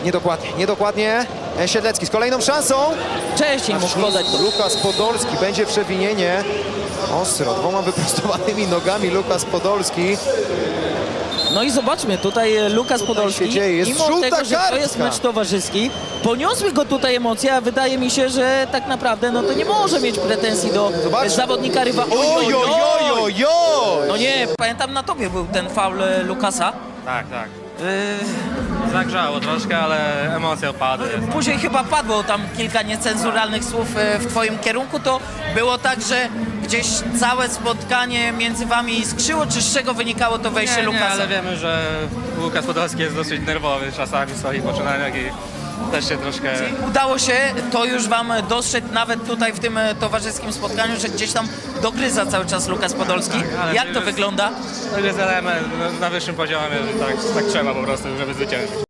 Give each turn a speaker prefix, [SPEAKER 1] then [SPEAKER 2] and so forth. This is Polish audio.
[SPEAKER 1] Niedokładnie. Siedlecki z kolejną szansą.
[SPEAKER 2] Wcześniej mógł podać to.
[SPEAKER 1] Lukas Podolski, będzie przewinienie. Ostro, dwoma wyprostowanymi nogami Lukas Podolski.
[SPEAKER 2] No i zobaczmy, tutaj Lukas Podolski,
[SPEAKER 1] się dzieje? Jest
[SPEAKER 2] mimo
[SPEAKER 1] żółta
[SPEAKER 2] tego, że to jest
[SPEAKER 1] kartka.
[SPEAKER 2] mecz towarzyski, poniosły go tutaj emocje, a wydaje mi się, że tak naprawdę no to nie może mieć pretensji do
[SPEAKER 1] Zobacz.
[SPEAKER 2] zawodnika rywala. No nie, pamiętam na tobie był ten faul Lukasa.
[SPEAKER 3] Tak, tak. Zagrzało troszkę, ale emocje opadły.
[SPEAKER 2] Później chyba padło tam kilka niecenzuralnych słów w twoim kierunku. To było tak, że gdzieś całe spotkanie między wami skrzyło, czy z czego wynikało to wejście
[SPEAKER 3] Nie,
[SPEAKER 2] Lukasa?
[SPEAKER 3] ale wiemy, że Łukasz Podolski jest dosyć nerwowy czasami w swoich poczynaniach i też się troszkę...
[SPEAKER 2] Udało się to już wam dostrzec nawet tutaj w tym towarzyskim spotkaniu, że gdzieś tam dogryza cały czas Lukas Podolski.
[SPEAKER 3] ale
[SPEAKER 2] Jak
[SPEAKER 3] to
[SPEAKER 2] to
[SPEAKER 3] jest-
[SPEAKER 2] wygląda?
[SPEAKER 3] To jest element na wyższym poziomie, tak trzeba po prostu, żeby zwyciężyć.